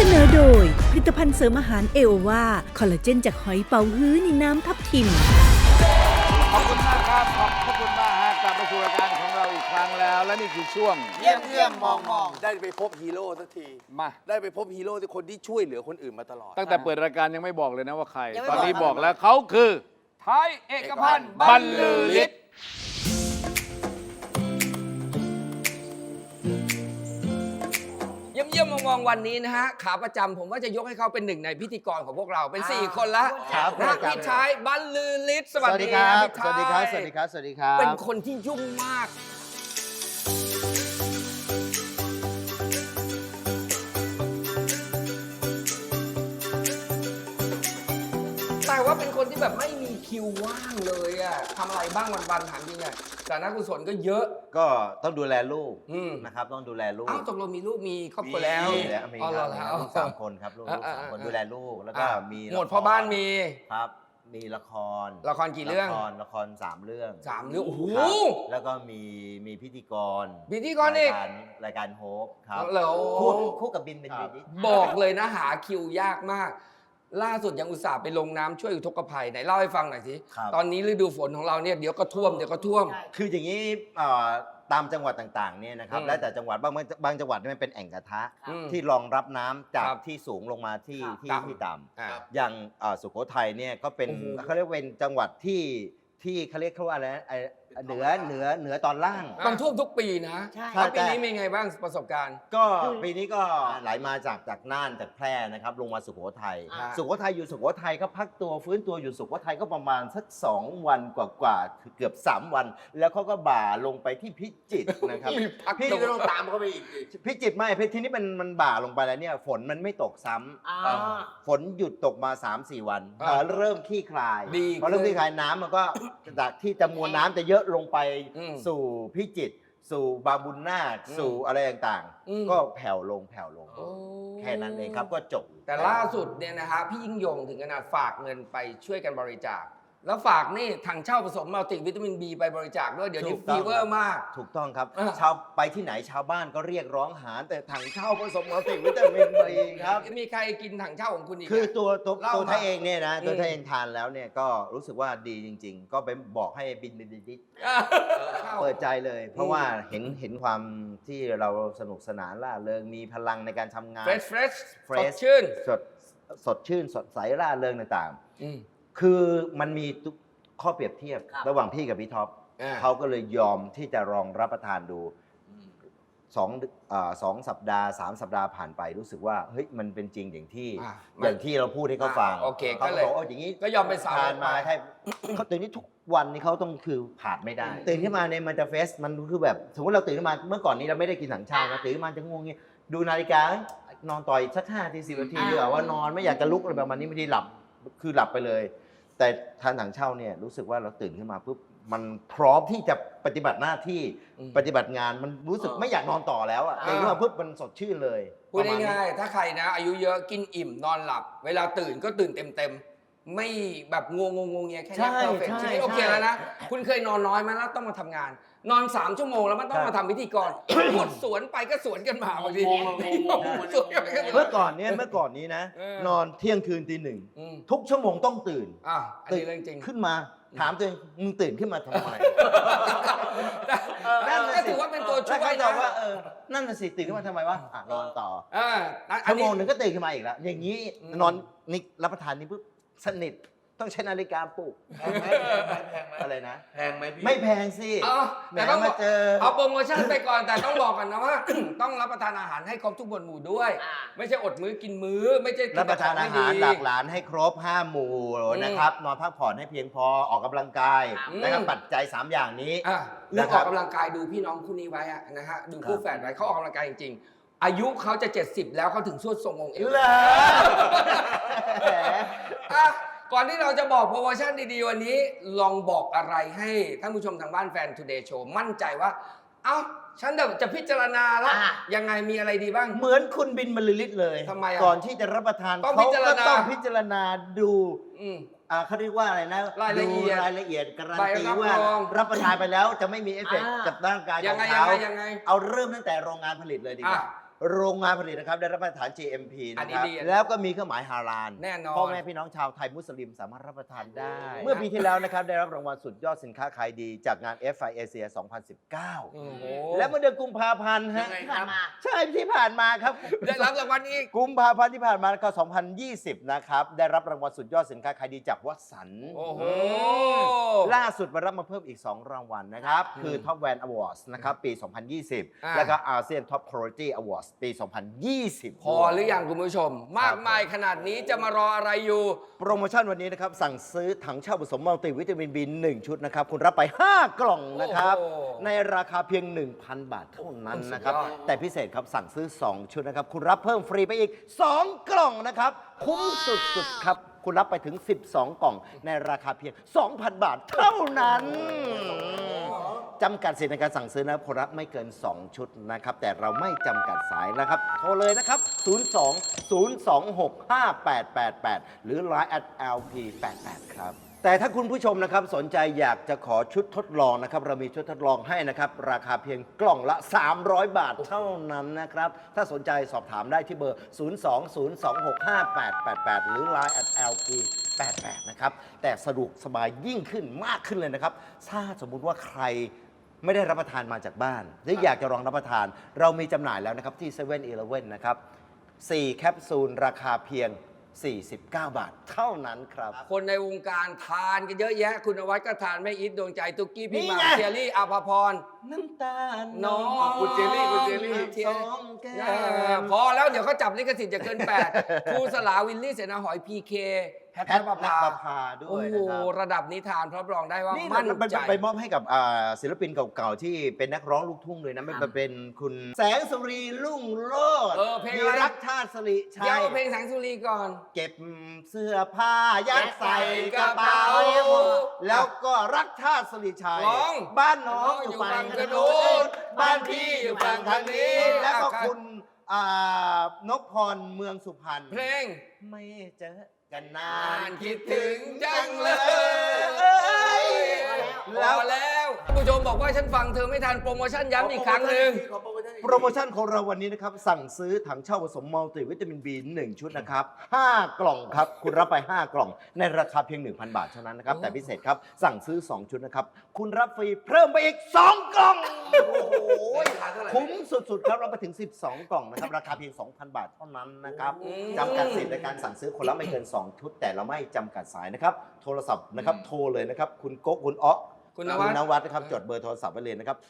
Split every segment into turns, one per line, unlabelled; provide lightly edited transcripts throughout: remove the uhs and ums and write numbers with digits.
นอโดยผลิตภัณฑ์เสริมอาหารเอโอวาคอลลาเจนจากหอยเป๋าฮื้อในน้ำทับทิม
ขอบคุณมากครับขอบคุณมากฮะกลับมาสู่รายการของเราอีกครั้งแล้ว และนี่คือช่วง
เยี่ยมมองได้ไปพบฮีโร่สักที
มา
ได้ไปพบฮีโร่ที่คนที่ช่วยเหลือคนอื่นมาตลอด
ตั้งแต่เปิดรายการยังไม่บอกเลยนะว่าใคร
ยังไม่
ตอนนี้
บอก
บอกแล้วเขาคือไทยเอกพันธ์บรรลือฤทธิ์
เยี่ยมมองวันนี้นะฮะขาประจำผมว่าจะยกให้เขาเป็นหนึ่งในพิธีกรของพวกเราเป็น4คนละ
ครับ
นะพี่ชายบรรลือฤทธิ์สวัสดี
ครับ
พี่ชาย
สวัสดีครับ สวัสดีครับ สวัสดีครับ
เป็นคนที่ยุ่งมากแต่ว่าเป็นคนที่แบบไม่มีคิวว่างเลยอะทำอะไรบ้างวันๆถามจริงอะแต่นักกุศลก็เยอะ
ก็ต้องดูแลลูก
อืม
นะครับ ต้องดูแลลูก
อ้าวตกลงมีลูกมีครอบครัวแล้ว
มีแล้วมี
อ๋อ
ค
เหร
รั
อบ แล้ว
ลูก3 คนครับลูก3 คนดูแลลูกแล้วก็มี
หมดพ่อบ้านมี
ครับ มีละคร
ละครกี่เรื่อง
ละคร3 เรื่อง
3 เรื่องโอ้โห
ครับแล้วก็มีพิธีกร
พิธีกรอีก
รายการโฮปครับ
เหรอ
คู่กับบินเป็นดี
บอกเลยนะหาคิวยากมาก ล่าสุดยังอุตส่าห์ไปลงน้ำช่วยอุทกภัยไหนเล่าให้ฟังหน่อยสิ
ครับ
ตอนนี้ฤดูฝนของเราเนี่ยเดี๋ยวก็ท่วม
คืออย่างนี้ตามจังหวัดต่างๆเนี่ยนะครับ
อืม
แล้วแต่จังหวัดบางจังหวัดเนี่ยมันเป็นแอ่งกระทะ
อืม
ที่รองรับน้ำจาก
ครับ
ที่สูงลงมาที่
ต่ำ
ที่ต่
อ่า
ำอย่างสุโขทัยเนี่ยก็เป็น
โอ้โห
เขาเรียกเป็นจังหวัดที่เขาเรียกว่าอะไรนะเหนือตอนล่าง
มันท่วมทุกปีนะ
ใช่
แล้วปี
แต่
นี้เป็นไงบ้างประสบการณ์
ก็ปีนี้ก็ไหลมาจากน่านจากแพร่นะครับลงมาสุโขทัย
อ่า
สุโขทัยอยู่สุโขทัยก็พักตัวฟื้นตัวอยู่สุโขทัยก็ประมาณสัก2 วันกว่าๆเกือบ3 วัน แล้วเขาก็บ่าลงไปที่พิจิตรนะครับ
มีพัก
พี่
ตัว
ก็ต้องตามเขาไปอีกพิจิตรไม่ทีนี้มันบ่าลงไปแล้วเนี่ยฝนมันไม่ตกซ้ำฝนหยุดตกมา 3-4 วัน
อ่า
เริ่มคลี่คลาย
ดี
พอเริ่มคลี่คลายน้ำมันก็จากที่จำนวนน้ำจะเยอะลงไป
อืม
สู่พิจิตรสู่บางบุญนาค
อืม
สู่อะไรต่าง
อืม
ๆ ก็แผ่วลง
โอ้
แค่นั้นเองครับก็จบ
แต่ล่าสุดเนี่ยนะฮะพี่ยิ่งยงถึงขนาดฝากเงินไปช่วยกันบริจาค แล้วฝากนี่ถังเช่าผสมมัลติวิตามินบีไปบริจาคด้วยเดี๋ยวนี้
ถูกต้
ฟี
อง
เวอร์มาก
ถูกต้องครับ
อ่า
ชาวไปที่ไหนชาวบ้านก็เรียกร้องหาแต่ถังเช่าผสมมัลติวิตามินบีครับ
มีใครกินถังเช่าของคุณอีก
คือ
อะ
ตัว
เล่ามา
ไทยเองเนี่ยนะ
อืม
ตัวไทยเองทานแล้วเนี่ยก็รู้สึกว่าดีจริง ๆ ก็ไปบอกให้บินดิเปิดใจเลย เพราะว่าเห็นความที่เราสนุกสนานล่าเริงมีพลังในการทำงาน
เฟรช
fresh
สดชื่น
สดชื่นสดใสร่าเริงต่าง
อืม
ๆ คือมันมีข้อเปรียบเทียบ
ครับ
ระหว่างพี่กับพี่ท็อป
อ่า
เขาก็เลยยอมที่จะลองรับประทานดู2 สัปดาห์ 3 สัปดาห์ผ่านไปรู้สึกว่าเฮ้ยมันเป็นจริงอย่างที่เราพูดให้เขาฟัง
โอเค
เขา
ก็
ก็
เลย
บอกว่าอย่างนี้
ก็ยอมเป็นสาว
ทานมาใช่เขาตื่นนี้ทุกวันนี้เขาต้องคือขาดไม่ได้ ตื่นขึ้นมาเนี่ยมันจะเฟสมันคือแบบสมมติเราตื่นขึ้นมาเมื่อก่อนนี้เราไม่ได้กินถังเช่านะตื่นขึ้นมาจะง่วงเงี้ยดูนาฬิกานอนต่อยสัก5 นาที 10 นาทีดีกว่าว่านอนไม่อยากจะลุกอะไรประมาณนี้บางทีหลับคือหลับไปเลย แต่ทานถังเช่าเนี่ยรู้สึกว่าเราตื่นขึ้นมาปุ๊บมันพร้อมที่จะปฏิบัติหน้าที่ปฏิบัติงานมันรู้สึกไม่อยากนอนต่อแล้วอ่ะตื่นขึ้นมาปุ๊บมันสดชื่นเลย
พูดง่ายๆถ้าใครนะ อายุเยอะกินอิ่มนอนหลับ เวลาตื่นก็ตื่นเต็มๆไม่แบบงงเงียแค่นี้เพอร์เฟกชีวิตโอเคแล้วนะ คุณเคยนอนน้อยไหมแล้วต้องมาทำงาน นอน3 ชั่วโมงแล้วมันต้องมาทำพิธีกรหมดสวนไปก็สวนกันมาบางทีสวนกันไปก็สวน
เมื่อก่อนนี้นะ นอนเที่ยงคืนตี 1
อืม
ทุกชั่วโมงต้องตื่น
อันนี้เรื่องจริง
ขึ้นมาถามตัวเองมึงตื่นขึ้นมาทำไม
ก็ถือว่าเป็นตัวช่วย
แล้ว
นะ
เขาบอกว่านั่นน่ะสิตื่นขึ้นมาทำไมวะนอนต่อ
อั
ชั่
น
วโม
นี้
งหนึ่งก็ตื่นขึ้นมาอีกแล้วอย่างนี้
อืม
นอนนี่รับประทานนี่ปุ๊บสนิทต้องใช้นาฬิกาปลุกอะไรนะ
แพงไหมพี่
ไม่แพงสิ
แต่
แห
ต้อง
มาเจอ
เอาโปรโมชั่นไปก่อนแต่ต้องบอกกันนะว่า ต้องรับประทานอาหารให้ครบทุกหมวดหมู่ด้วย ไม่ใช่อดมื้อกินมื้อ ไม่ใช่กิ
รับประทานอาหารหลากหลานให้ครบ5 หมู่นะครับนอนพักผ่อนให้เพียงพอออกกำลังกายนะครับปัจจัย3 อย่างนี้
เรื่องออกกำลังกายดูพี่น้องคู่นี้ไว้อะนะฮะดูคู่แฝดไว้เขาออกกำลังกายจริงๆอายุเขาจะ70แล้วเขาถึงสวดทรงองค์เอว
เหรอ
อ่ะก่อนที่เราจะบอกโปรโมชั่นดีๆวันนี้ลองบอกอะไรให้ท่านผู้ชมทางบ้านแฟน Today Show มั่นใจว่าเอ้าฉันจะพิจารณาแล้วยังไงมีอะไรดีบ้าง
เหมือนคุณบินบรรลือฤทธิ์เลย
ทำไมอ่ะ
ก่อนที่จะรับประทาน
ต้อง
เขา
พิจาร
ก็
ณา
ต้องพิจารณาดู
อืม
เขาเรียกว่าอะไรนะ
รายละเอียด
ดูรายละเอียดการัน
ใบ
ตี
รับ
ว่าร
อง
รับประทานไปแล้วจะไม่มีเอฟเฟกต์กับร่างกาย
ยั
ของ ง
ไง
เขา
ยังไง
เอาเริ่มตั้งแต่โรงงานผลิตเลยดีกว่าโรงงานผลิตนะครับได้รับมาตรฐาน GMP
อัน
นะ
นี้
ครับ
ดี
แล้วก็มีเครื่องหมายฮาลาล
แน่นอน
พ่อแม่พี่น้องชาวไทยมุสลิมสามารถรับประทานได้ เมื่อปีที่แล้วนะครับได้รับรางวัลสุดยอดสินค้าขายดีจากงาน FI Asia 2019
โอ้โห
และเมื่อเดือนกุมภาพันธ์ฮะ
ยังไงครับ
ใช่ที่ผ่านมาครับ
ได้รับรางวัลอีก
กุมภาพันธ์ที่ผ่านมาก็2020 นะครับได้รับรางวัลสุดยอดสินค้าขายดีจากวัสันต์
โอ้โห
ล่าสุดมารับมาเพิ่มอีก 2 รางวัลนะครับ คือ Top Van Awards นะครับปี 2020 แล้วก็ ASEAN Top Quality Awards ปี 2020
พอหรือยังคุณผู้ชม มากมายขนาดนี้จะมารออะไรอยู่
โปรโมชั่นวันนี้นะครับ สั่งซื้อถังเช่าผสมมัลติวิตามิน B1 ชุดนะครับ คุณรับไป 5 กล่องนะครับ
โอ้โห
ในราคาเพียง 1,000 บาทเท่านั้นนะครับ
สุดยอด
แต่พิเศษครับสั่งซื้อ 2 ชุดนะครับ คุณรับเพิ่มฟรีไปอีก 2 กล่องนะครับ คุ้มสุดๆครับ คุณรับไปถึง 12 กล่อง ในราคาเพียง 2,000 บาทเท่านั้นจำกัดสิทธิ์ในการสั่งซื้อนะครับคนรับไม่เกิน 2 ชุดนะครับ แต่เราไม่จำกัดสายนะครับ โทรเลยนะครับ 02-026-5888 หรือ Line @lp88 ครับ แต่ถ้าคุณผู้ชมนะครับสนใจอยากจะขอชุดทดลองนะครับ เรามีชุดทดลองให้นะครับ ราคาเพียงกล่องละ 300 บาทเท่านั้นนะครับ ถ้าสนใจสอบถามได้ที่เบอร์ 020265888 หรือ Line @lp88 นะครับ แต่สะดวกสบายยิ่งขึ้นมากขึ้นเลยนะครับ ถ้าสมมุติว่าใครไม่ได้รับประทานมาจากบ้านหรืออยากจะลองรับประทาน เรามีจำหน่ายแล้วนะครับที่7 e เ e ่ e อนะครับ 4 แคปซูลราคาเพียง 49 บาทเท่านั้นครับ
คนในวงการทานกันเยอะแยะ คุณนวัดก็ทานแม่อีทดวงใจตุ๊กกี้พี่
นี่
หมา
ไง
เชียรี่อาภาพร
น้ำตาล
น้อง
คุณเจลลี่คุณเจลลี่
เทีย
สองแก้ม
พอแล้วเดี๋ยวเขาจับลิขสิทธิ์จะเกิน 8 ครูสลาวิลลี่เสนาหอยพีเคแพท
แพท
ย์
ย์
ประ
น
ภา
ภพาด้
โอ้
วย
โห
นะครับ
ระดับนี้ทานรับรองได้ว่า
นี่
มั่น
ไป
ใจ
ไปมอบให้กับศิลปินเก่าๆ ที่เป็นนักร้องลูกทุ่งเลยนะไม่เป็นคุณแสงสุรีรุ่งโรจน์
เพลง
มี
อะไร
รักชาติสริชั
เดี๋ยวย เอาเพลงแสงสุรีก่อน
เก็บเสื้อผ้ายัดใส่กระเป๋า แล้วก็รักชาติสริชัย
ร้อง
บ้านน้องอยู่ฝั่งถนนบ้านพี่อยู่ฝั่งทางนี้ แล้วก็คุณนพพรเมืองสุพรรณ
เพลง
ไม่เจอกันนาน
คิดถึงจังเลย
แล้
แล้ว วแล้วผู้ชมบอกว่าฉันฟังเธอไม่ทันโปรโมชั่นย้ำอีกครั้งหนึ่ง
โปรโมชั่นของเราวันนี้นะครับ สั่งซื้อถังเช่าผสมมัลติวิตามิน B1 ชุดนะครับ 5 กล่องครับ คุณรับไป 5 กล่อง ในราคาเพียง 1,000 บาทเท่านั้นนะครับ แต่พิเศษครับ สั่งซื้อ 2 ชุดนะครับ คุณรับฟรีเพิ่มไปอีก 2 กล่อง โอ้โหคุ้มสุดๆครับรับไปถึง 12 กล่องนะครับ ราคาเพียง 2,000 บาทเท่านั้นนะครับจำกัดสิทธิ์ในการสั่งซื้อคนละไม่เกิน 2 ชุด แต่เราไม่จำกัดสายนะครับ โทรศัพท์นะครับ โทรเลยนะครับ คุณโก๊กคุณอ๊อ
คุณนวัด
นวัดนะครับ จดเบอร์โทรศัพท์ไว้เลยนะครับ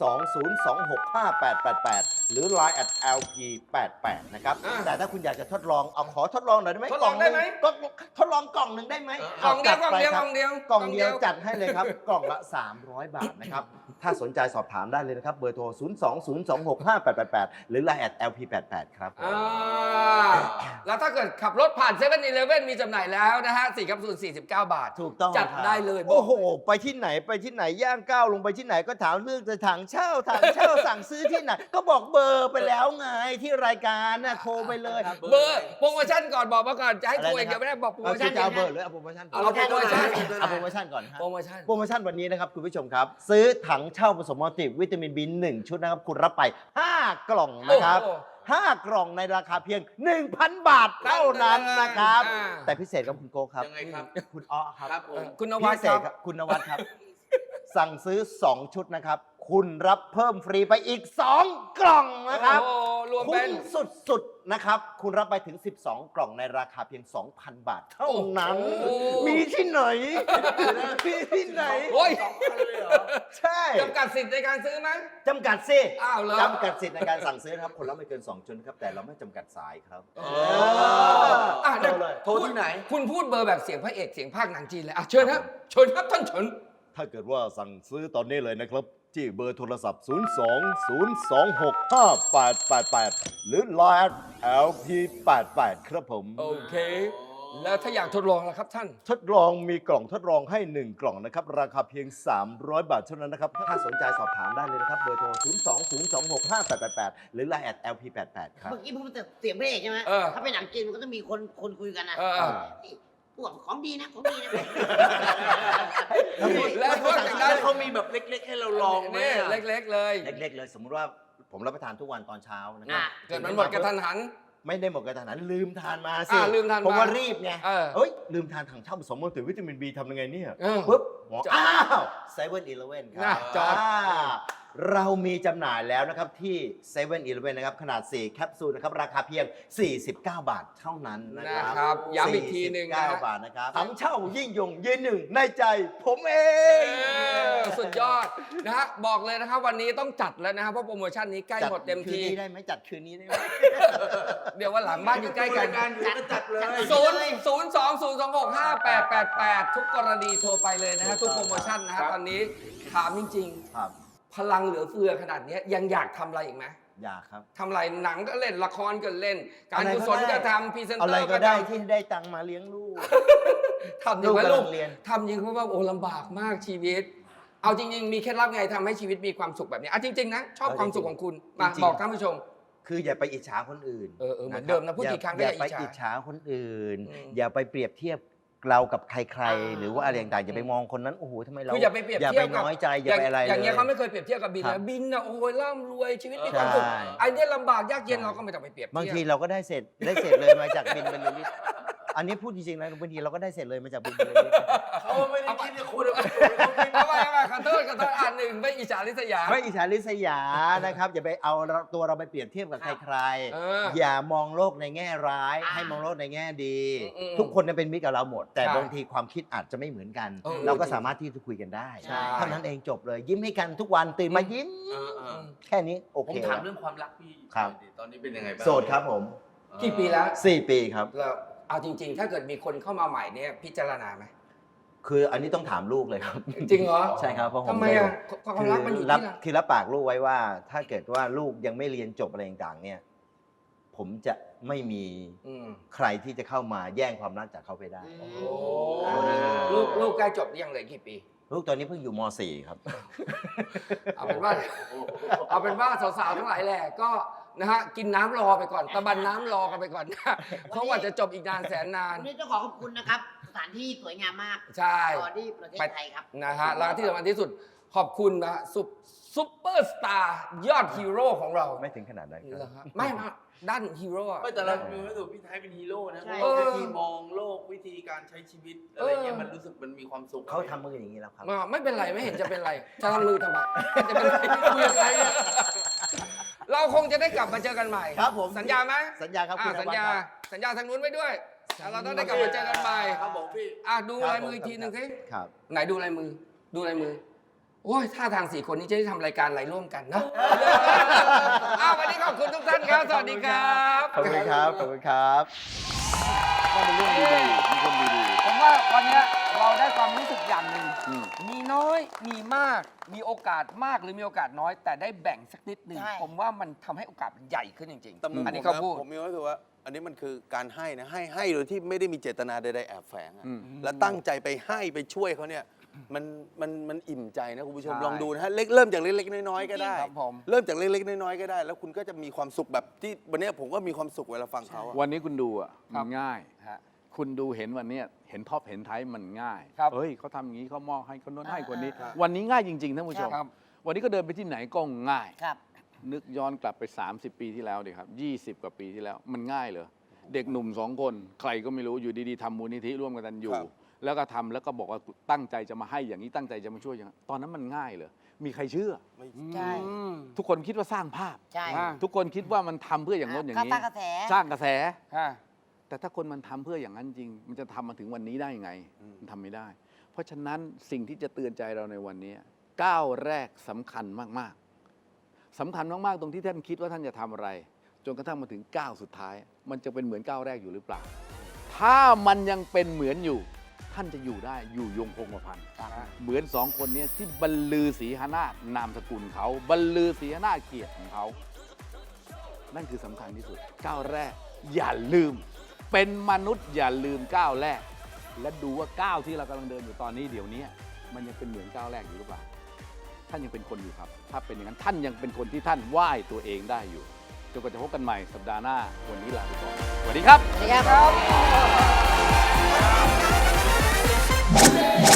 020265888 หรือ Line @lp88 นะครับ แต่ถ้าคุณอยากจะทดลองเอาขอทดลองหน่อยได้ไหม
ทดลองได้ไหม
ก็ทดลองกล่องหนึ่งได้ไหม
กล่องเดียว
จัไปครับ
กล่องเดียว
กล่องเดียวจัดให้เลยครับ กล่องละ 300 บาทนะครับ ถ้าสนใจสอบถามได้เลยนะครับ เบอร์โทร 020265888 หรือ Line @lp88 ครับ
แล้วถ้าเกิดขับรถผ่าน7 e เ e ่ e มีจำหน่ายแล้วนะฮะ4แคปซูล49 บาท
ถูกต้อง
จัด
ครับ
ได้เลยบอก
โอ้โห ไปที่ไหนย่างก้าวลงไปที่ไหนก็ถามเรื่องจะถังเช่า สั่งซื้อที่ไหน ก็บอกเบอร์ไปแล้วไงที่รายการน่ะโทรไปเลย
เบอร์โปรโมชั่นก่อนบอกมาก่อนจะให้
อะไร
คุย
นะครับ
เดี๋ยวไม่ได้บอกโปรโม
เอา
ชั่น
จะเอาเบอร์หรือเอาโปรโมชั่นก่อน
เอาโปรโมชั่น
เอาโปรโมชั่นก่อนฮะ
โปรโมชั่น
โปรโมชั่นวันนี้นะครับคุณผู้ชมครับ ซื้อถังเช่าผสมมัลติวิตามิน B1 ชุดนะครับ คุณรับไป 5 กล่องนะครับ
โอ้โห
5 กล่องในราคาเพียง 1,000 บาทเท่านั้นนะครับ
อ่า
แต่พิเศษครับคุณโก้ครับ
ยังไงครับ
คุณอ้อครับ
ครับผม
คุณนวัด
พิเศ
ค
ษ
รับ
ครับคุณนวัดครับ สั่งซื้อ 2 ชุดนะครับ คุณรับเพิ่มฟรีไปอีก 2 กล่องนะครับ
โอ้โหรวม
คุ้
เป็น
มสุดๆนะครับ คุณรับไปถึง 12 กล่องในราคาเพียง 2,000 บาทเท่านั้น
โอ้โห
มีที่ไหน มีที่ไหน
โอ้ย
ใช่
จำกัดสิทธิ์ในการซื้อไหม
จำกัดสิ
อ้าวเหรอ
จำกัดสิทธิ์ในการสั่งซื้อนะครับ คนละไม่เกิน 2 ชุดนะครับ แต่เราไม่จำกัดสายครับ
อ่ะ
โทรเลย
โทรที่ไหน
คุณพูดเบอร์แบบเสียงพระเอกเสียงภาคหนังจีนเลยอ่ะเชิญครับเชิญครับท่านเฉิน
ถ้าเกิดว่าสั่งซื้อตอนนี้เลยนะครับ ที่เบอร์โทรศัพท์ 020265888 หรือ Line LP88 ครับผม
โอเค แล้วถ้าอยากทดลองล่ะครับท่าน
ทดลองมีกล่องทดลองให้ 1 กล่องนะครับ ราคาเพียง 300 บาทเท่านั้นนะครับ ถ้าสนใจสอบถามได้เลยนะครับ เบอร์โทร 020265888 หรือ Line @lp88 ครับ
เมื่อกี้พูดแต่เสียงพระเอกใช่ไหม
เออ
ถ้าเป็นหนังจีนมันก็ต้องมีคนคุยกันนะ
เออ
นี่พวกของดีนะของดีนะ
แล้วพวกอย่างนั้น
เขามีแบบเล็กๆ ให้เราลองไหม
นี่
อะ
เล็กๆเลย
เล็กๆเลยสมมุติว่าผมรับประทานทุกวันตอนเช้านะครั
อ่ะ
เกิดมันหมดกระทันหัน
ไม่ได้หมดกระทันหันลืมทานมาสิ
ลืมทานมา
ผมว่ารีบไง
เอ้ย
ลืมทานถังเช่าผสมมัลติวิตามิน B ทำยังไงเนี่ย
เออ
ปุ๊บหมอ
จอด
อ้าวเซเว่นอีเลฟเว่นครั
น่ะ
บ
จอด
เรามีจำหน่ายแล้วนะครับที่7 e เ e ่ e อนะครับขนาด 4 แคปซูลนะครับราคาเพียง 49 บาทเท่านั้นนะค
นะ
รับ
ครับย้ำอีกทีหนึ่งนะฮะ
49 บาทนะครับถังเช่ายิ่งยงยืนหนึ่งในใจผมเอง
สุดยอดนะฮะบอกเลยนะครับวันนี้ต้องจัดแล้วนะครับเพราะโปรโมชั่นนี้ใกล้หมดเต็ม
คืน
ที
นี้ได้ไหมจัดคืนนี้ได้ไหม
เดี๋ยววันหลังบ้านอยู่ใกล้กัน
จัดเลย
020258888 ทุกกรณีโทรไปเลยนะฮะทุกโปรโมชั่นนะฮะตอนนี้ถามจริง
ครับ
ๆ พลังเหลือเฟือขนาดนี้ยังอยากทำอะไรอีกไหม
อยากครับ
ทำอะไรหนังก็เล่นละครก็เล่น การกุศลก็ทำพรีเซนเต
อะ
อ
ไร
ร์
ก็
ก็
ได้
ทำ
ที่ได้ตังค์มาเลี้ยงลูก
ทำจริงไหม
ลู
ลู
ก
ก
กำลังเรียน
ทำจริงเพราะว่าโอ้ลำบากมากชีวิต เอาจริง ๆ มีเคล็ดลับไงทำให้ชีวิตมีความสุขแบบนี้อ่ะจริง ๆ นะ ชอบความสุขของคุณมา
จริงๆ
บอกท่านผู้ชม
คืออย่าไปอิจฉาคนอื่น
เออเหมือนเดิมนะพูดกี่ครั้งก็
อ
อย่า
ย่าไป
อิจฉา
อิจฉาคนอื่น
อืม
อย่าไปเปรียบเทียบเรากับใคร
อ่า
ๆ หรือว่าอะไรต่างๆอย่าไปมองคนนั้นโอ้โหทำไมเรา
คืออย่าไปเปรียบ
อย่า
เที
ไป
ยบกับ
น้อยใจอย่าไปอะไร
อย่างเงี้ย
ล
เขาไม่เคยเปรียบเทียบกับบิน
ครั
นะ
บ
บินนะโอ้ยร่ำรวยชีวิตมีความสุข
ใช่
ไอ้เนี่ยลำบากยากเย็นเราก็ไม่ต้องไปเปรียบเทียบบ
างทีเราก็ได้เสร็จเลยมาจากบินบรรลือฤทธิ์อันนี้พูดจริงๆนะบางทีเราก็ได้เสร็จเลยมาจากบินบรรลือฤทธิ์
เขาไม่ได้คิดจะคุณเอาไป
เอาไปขอโทษอันหนึ่งไม่อิจฉาริษยา
ไม่อิจฉาริษยานะครับ อย่าไปเอาตัวเราไปเปรียบเทียบกับใคร
เออ
ๆอย่ามองโลกในแง่ร้าย ให้มองโลกในแง่ดี
อืม
ทุกคนเนี่ยเป็นมิตรกับเราหมด แต่
ใช่
บางทีความคิดอาจจะไม่เหมือนกัน
เออ
เราก็สามารถที่จะคุยกันได้
ใช่
เท่านั้นเองจบเลย ยิ้มให้กันทุกวันตื่นมายิ้ม แค่นี้โอ
ผม
เค
ถาม
แล้ว
เรื่องความรักพี่
ครับ
ตอนนี้เป็นยังไงบ้าง
โสดครับผม
กี่ปีแล้ว
4 ปีครับ
แล้วเอาจริง ๆ ถ้าเกิดมีคนเข้ามาใหม่เนี่ยพิจารณาไหม
คืออันนี้ต้องถามลูกเลยครับ
จริงเหรอ
ใช่ครับเพราะผม
ทำไมอ่ะความรักมันอยู่
รับ
ที่เรา
คือรับปากลูกไว้ว่า ถ้าเกิดว่าลูกยังไม่เรียนจบอะไรต่างๆเนี่ย ผมจะไม่มี
อืม
ใครที่จะเข้ามาแย่งความรักจากเขาไปได้
โอ้ลูกใกล้จบหรือยังเหลยกี่ปี
ลูกตอนนี้เพิ่งอยู่ม .4 ครับ
เอาเป็นว่าสาวๆทั้งหลายแหละก็นะฮะกินน้ำรอไปก่อนตะบันน้ำรอกันไปก่อนนะเพราะว่าจะจบอีกนานแสนนาน
วันนี้ต้องขอขอบคุณนะครับ สถานที่สวยงามมาก
ใช่
ตอนที่ประเทศไทยครับ
นะฮะแล้วที่สำคัญที่สุดขอบคุณนะซุปเปอร์สตาร์ยอดฮีโร่ของเรา
ไม่ถึงขนาดนั้นค
เหร
รั
อบ ฮะไม่มาด้านฮีโร่อะ
ไม่แต่เรามีวัตถุพี่ไทยเป็นฮีโร่นะ
ใช่
วิธีมองโลกวิธีการใช้ชีวิตอะไรเงี้ยมันรู้สึกมันมีความสุข
เขาทำมืออย่างนี้แล้วครับ
ไม่เป็นไรไม่เห็นจะเป็นไรจะทำมือทำไมจะเป็นไรคุยกับใครเนี่ยเราคงจะได้กลับมาเจอกันใหม่
ครับผม
สัญญาไหม
สัญญาครับคุณ
สัญ
นวัด
ญา
ครับ
สัญญาทางนู้นไว้ด้วยเราต้องได้กลับมาเจอกันใหม่
ครับผมพี่
ดูลายมืออีกทีหนึ่งสิ
ครับ
ไหนดูลายมือ ดูลายมือ โอ้ยท่าทาง4 คนนี้จะได้ทำรายการอะไรร่วมกันนะ วันนี้ขอบคุณทุกท่านครับ สวัสดีครับ
ขอบคุณครับ ขอบคุณครับ
ก็เป็นเรื่องดีๆมีคนดี
ผมว่าวันนี้เราได้ความรู้สึกอย่างหนึ่ง
อืม
มีน้อยมีมาก มีโอกาสมากหรือมีโอกาสน้อย แต่ได้แบ่งสักนิดหนึ่ง
ใช่
ผมว่ามันทำให้โอกาสมันใหญ่ขึ้นจริง
แต่มุม
อันนี้
ผ
เขา
มนะ
พูด
ผมมีความรู้สึกว่า อันนี้มันคือการให้นะให้โดยที่ไม่ได้มีเจตนาใดๆแอบแฝงอะ
อืม
แล้วตั้งใจไปให้ไปช่วยเขาเนี่ยมันอิ่มใจนะคุณผู้ชม
ใช่
ลองดูนะฮะเริ่มจากเล็กๆน้อยๆก็ได้
ครับผม
เริ่มจากเล็กๆน้อยๆก็ได้ แล้วคุณก็จะมีความสุขแบบที่วันนี้ผมก็มีความสุขเวลาฟังเขาอะ
วันนี้คุณดูอ่ะ
ครั
มั
บ
นง่าย
ฮะ
คุณดูเห็นวันเนี้ยเห็นท็อปเห็นไทยมันง่าย
ครับ
เฮ้ยเขาทำอย่างนี้เขามอบให้คนโน้นให้คนนี้
ครับ
วันนี้ง่ายจริงๆท่านผู้ชม
ครับ
วันนี้ก็เดินไปที่ไหนก็ง่าย
ครับ
นึกย้อนกลับไป 30 ปีที่แล้วดิครับ 20 กว่าปีที่แล้ว มันง่ายเลย เด็กหนุ่ม2 คน ใครก็ไม่รู้อยู่ดีๆทำมูลนิธิร่วมกันอยู่
ครับ
แล้วก็ทำแล้วก็บอกว่าตั้งใจจะมาให้อย่างนี้ตั้งใจจะมาช่วยอย่างนั้นตอนนั้นมันง่ายเลยมีใครเชื่อ
ใช่
ทุกคนคิดว่าสร้างภาพ
ใช่
อ่า
ทุกคนคิดว่ามันทำเพื่ออย่างโน้นอย่างนี้
สร้างกระแส
สร้างกระแส
ฮะ
แต่ถ้าคนมันทำเพื่ออย่างนั้นจริง มันจะทำมาถึงวันนี้ได้ยังไง มันทำไม่ได้ เพราะฉะนั้นสิ่งที่จะเตือนใจเราในวันนี้ก้าวแรกสำคัญมากๆสำคัญมากๆตรงที่ท่านคิดว่าท่านจะทำอะไร จนกระทั่งมาถึงก้าวสุดท้าย มันจะเป็นเหมือนก้าวแรกอยู่หรือเปล่า ถ้ามันยังเป็นเหมือนอยู่ ท่านจะอยู่ได้อยู่ยงคงกระพันเหมือน2 คนนี้ที่บรรลือศรีหนาถนามสกุลเขาบรรลือศรีหนาถเกียรติของเขา นั่นคือสำคัญที่สุดก้าวแรก อย่าลืม เป็นมนุษย์อย่าลืมก้าวแรก และดูว่าก้าวที่เรากำลังเดินอยู่ตอนนี้เดี๋ยวนี้มันยังเป็นเหมือนก้าวแรกอยู่หรือเปล่าท่านยังเป็นคนอยู่ครับ ถ้าเป็นอย่างนั้นท่านยังเป็นคนที่ท่านไหว้ตัวเองได้อยู่จนกว่าจะพบกันใหม่สัปดาห์หน้าวันนี้ลาไปก่อนสวัสดีครับ
สวัสดีครับ